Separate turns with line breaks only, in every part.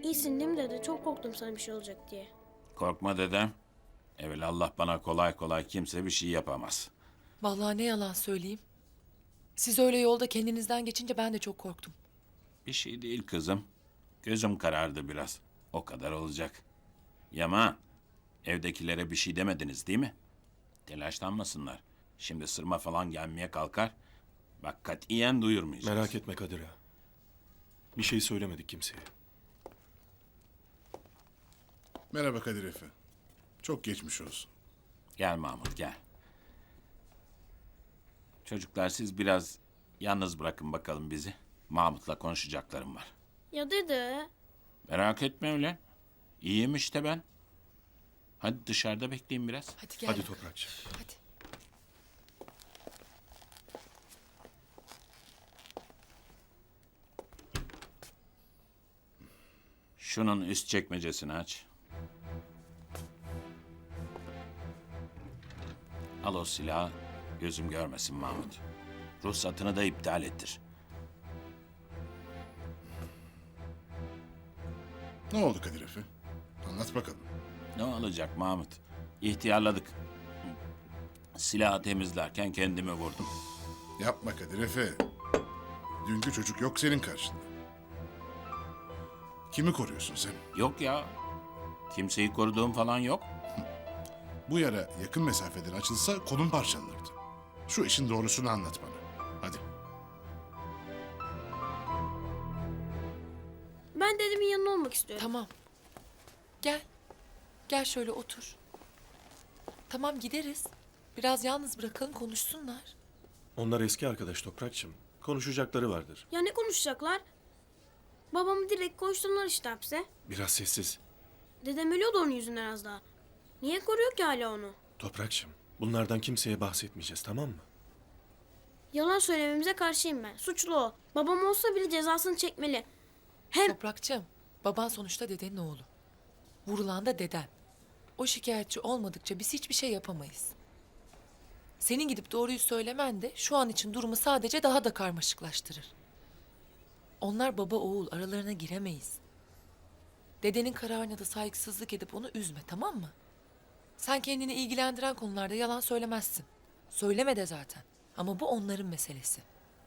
İyisin değil mi dede? Çok korktum sana bir şey olacak diye.
Korkma dedem. Evelallah bana kolay kolay kimse bir şey yapamaz.
Vallahi ne yalan söyleyeyim. Siz öyle yolda kendinizden geçince ben de çok korktum.
Bir şey değil kızım. Gözüm karardı biraz. O kadar olacak. Yaman, evdekilere bir şey demediniz değil mi? Telaşlanmasınlar. Şimdi sırma falan gelmeye kalkar. Bak katiyen duyurmayacağız.
Merak etme Kadir ağa. Bir şey söylemedik kimseye.
Merhaba Kadir Efe. Çok geçmiş olsun.
Gel Mahmut gel. Çocuklar siz biraz yalnız bırakın bakalım bizi. Mahmut'la konuşacaklarım var.
Ya dede?
Merak etme öyle. İyiyim işte ben. Hadi dışarıda bekleyin biraz.
Hadi gel.
Hadi
bakalım.
Toprakçı.
Hadi.
Şunun üst çekmecesini aç. Al o silahı. Gözüm görmesin Mahmut. Ruhsatını da iptal ettir.
Ne oldu Kadir Efe? Anlat bakalım.
Ne olacak Mahmut? İhtiyarladık. Silahı temizlerken kendimi vurdum.
Yapma Kadir Efe. Dünkü çocuk yok senin karşında. Kimi koruyorsun sen?
Yok ya. Kimseyi koruduğum falan yok.
Bu yara yakın mesafeden açılsa kolun parçalanırdı. Şu işin doğrusunu anlat bana. Hadi.
Ben dedemin yanında olmak istiyorum.
Tamam. Gel. Gel şöyle otur. Tamam gideriz. Biraz yalnız bırakalım konuşsunlar.
Onlar eski arkadaş Toprakçım. Konuşacakları vardır.
Ya ne konuşacaklar? Babamı direkt koşturdular işte hapse.
Biraz sessiz.
Dedem ölüyordu onun yüzünden az daha. Niye koruyor ki hala onu?
Toprakçım, bunlardan kimseye bahsetmeyeceğiz, tamam mı?
Yalan söylememize karşıyım ben. Suçlu o. Babam olsa bile cezasını çekmeli. Hem
Toprakçım, baban sonuçta dedenin oğlu. Vurulan da deden. O şikayetçi olmadıkça biz hiçbir şey yapamayız. Senin gidip doğruyu söylemen de şu an için durumu sadece daha da karmaşıklaştırır. Onlar baba oğul, aralarına giremeyiz. Dedenin kararına da saygısızlık edip onu üzme, tamam mı? Sen kendini ilgilendiren konularda yalan söylemezsin. Söyleme de zaten. Ama bu onların meselesi.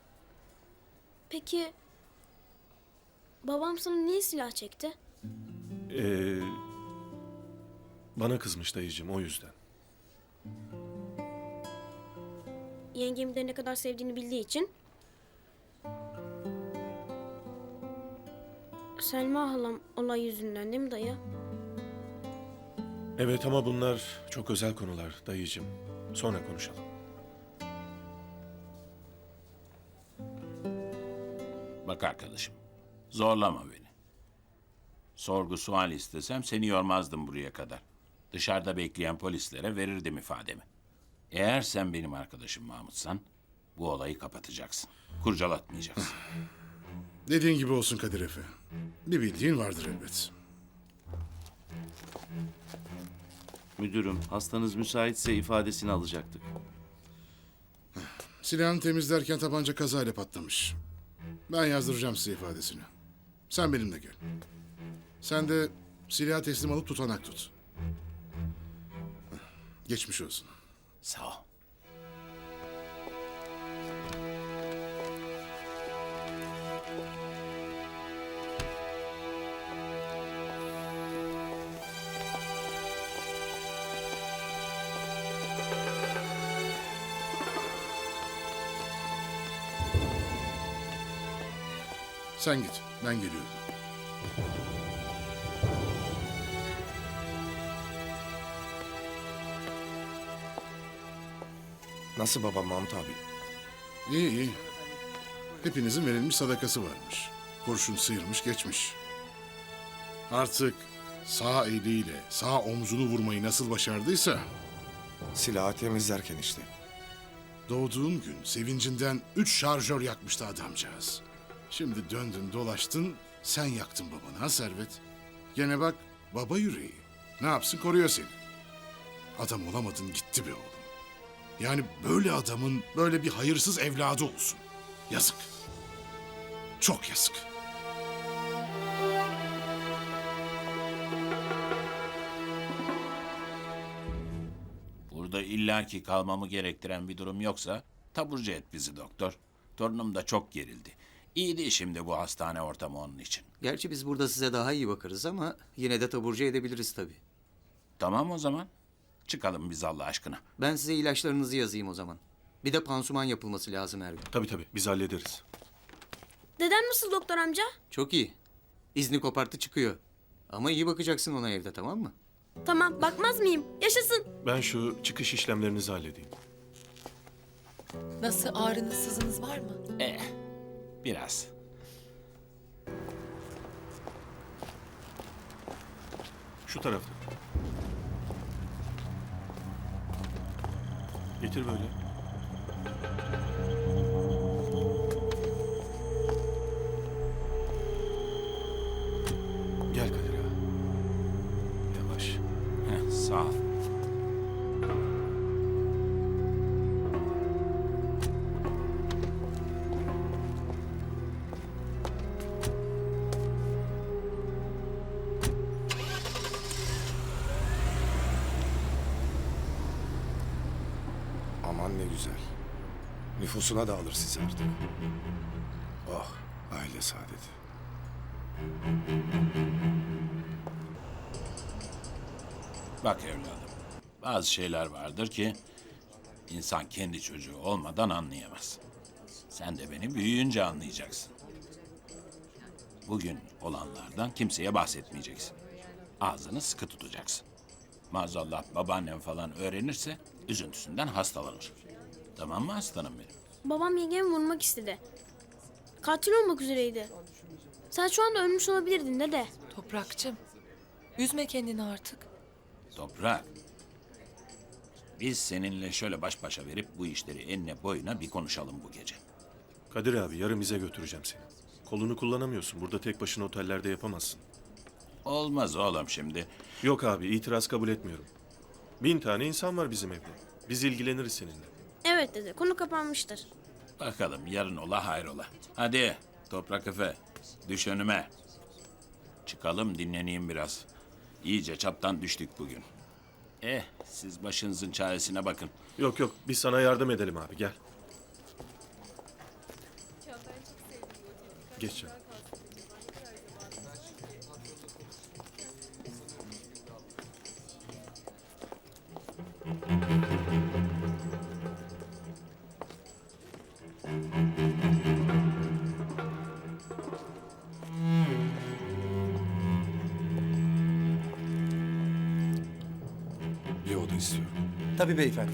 peki babam sana niye silah çekti?
Ee, Bana kızmış dayıcığım, o yüzden.
Yengemi de ne kadar sevdiğini bildiği için. Selma halam olay yüzünden değil mi dayı?
Evet ama bunlar çok özel konular dayıcığım. Sonra konuşalım.
Bak arkadaşım. Zorlama beni. Sorgu sual istesem seni yormazdım buraya kadar. Dışarıda bekleyen polislere verirdim ifademi. Eğer sen benim arkadaşım Mahmutsan bu olayı kapatacaksın. Kurcalatmayacaksın.
Dediğin gibi olsun Kadir Efe. Bir bildiğin vardır elbet.
Müdürüm, hastanız müsaitse ifadesini alacaktık.
Silahını temizlerken tabanca kazayla patlamış. Ben yazdıracağım size ifadesini. Sen benimle gel. Sen de silahı teslim alıp tutanak tut. Geçmiş olsun.
Sağ ol.
Sen git, ben geliyorum.
Nasıl babam Mahmut abi?
İyi iyi. Hepinizin verilmiş sadakası varmış. Kurşun sıyırmış geçmiş. Artık sağ eliyle sağ omzunu vurmayı nasıl başardıysa...
Silahı temizlerken işte.
Doğduğun gün sevincinden 3 şarjör yakmıştı adamcağız. Şimdi döndün dolaştın sen yaktın babanı ha Servet. Gene bak baba yüreği. Ne yapsın koruyor seni. Adam olamadın gitti be oğlum. Yani böyle adamın böyle bir hayırsız evladı olsun. Yazık. Çok yazık.
illaki kalmamı gerektiren bir durum yoksa taburcu et bizi doktor. Torunum da çok gerildi. İyi değil şimdi bu hastane ortamı onun için.
Gerçi biz burada size daha iyi bakarız ama yine de taburcu edebiliriz tabii.
Tamam o zaman. Çıkalım biz Allah aşkına.
Ben size ilaçlarınızı yazayım o zaman. Bir de pansuman yapılması lazım her gün.
Tabii biz hallederiz.
Dedem nasıl doktor amca?
Çok iyi. İzni koparttı çıkıyor. Ama iyi bakacaksın ona evde, tamam mı?
Tamam, bakmaz mıyım? Yaşasın.
Ben şu çıkış işlemlerinizi halledeyim.
Nasıl, ağrınız sızınız var mı?
Biraz.
Şu tarafta. Getir böyle. Gel Kadir ağa. Yavaş.
Heh, sağ ol.
Aman ne güzel. Nüfusuna da alır sizi artık. Oh, aile saadeti.
Bak evladım, bazı şeyler vardır ki insan kendi çocuğu olmadan anlayamaz. Sen de beni büyüyünce anlayacaksın. Bugün olanlardan kimseye bahsetmeyeceksin. Ağzını sıkı tutacaksın. Maazallah babaannem falan öğrenirse üzüntüsünden hastalanır. Tamam mı aslanım benim?
Babam yengemi vurmak istedi. Katil olmak üzereydi. Sen şu anda ölmüş olabilirdin dede.
Toprakçım, üzme kendini artık.
Toprak. Biz seninle şöyle baş başa verip bu işleri enine boyuna bir konuşalım bu gece.
Kadir abi yarın bize götüreceğim seni. Kolunu kullanamıyorsun. Burada tek başına otellerde yapamazsın.
Olmaz oğlum şimdi.
Yok abi itiraz kabul etmiyorum. 1000 tane insan var bizim evde. Biz ilgileniriz seninle.
Evet dede, konu kapanmıştır.
Bakalım yarın ola hayrola. Hadi Toprak Efe düş önüme. Çıkalım dinleneyim biraz. İyice çaptan düştük bugün. Siz başınızın çaresine bakın.
Yok biz sana yardım edelim abi gel. Geç canım.
Bir oda istiyorum.
Tabii beyefendi.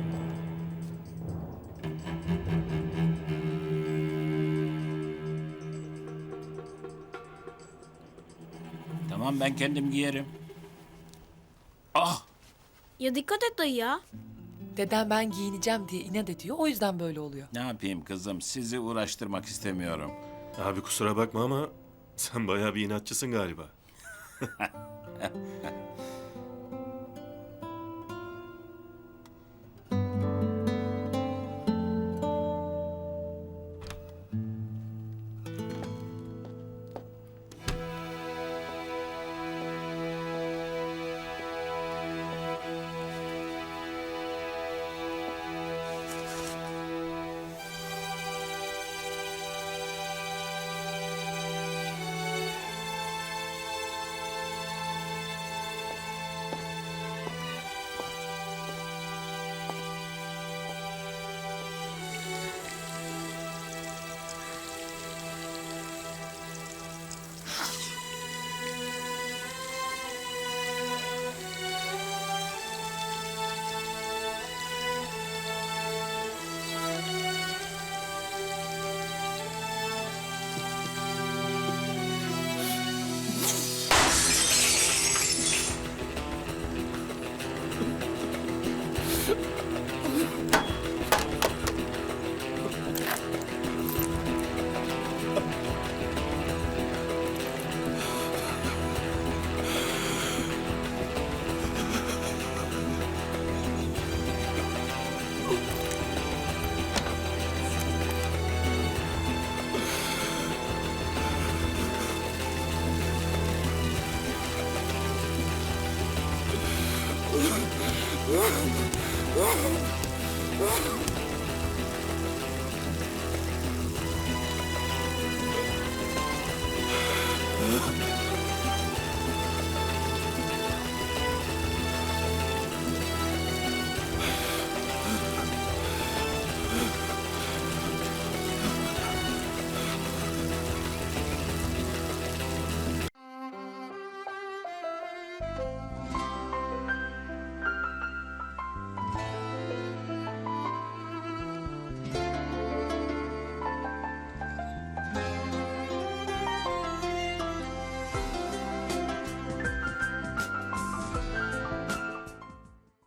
Tamam ben kendim giyerim. Ah!
Ya dikkat et dayı ya.
Dedem ben giyineceğim diye inat ediyor, o yüzden böyle oluyor.
Ne yapayım kızım sizi uğraştırmak istemiyorum.
Abi kusura bakma ama sen bayağı bir inatçısın galiba.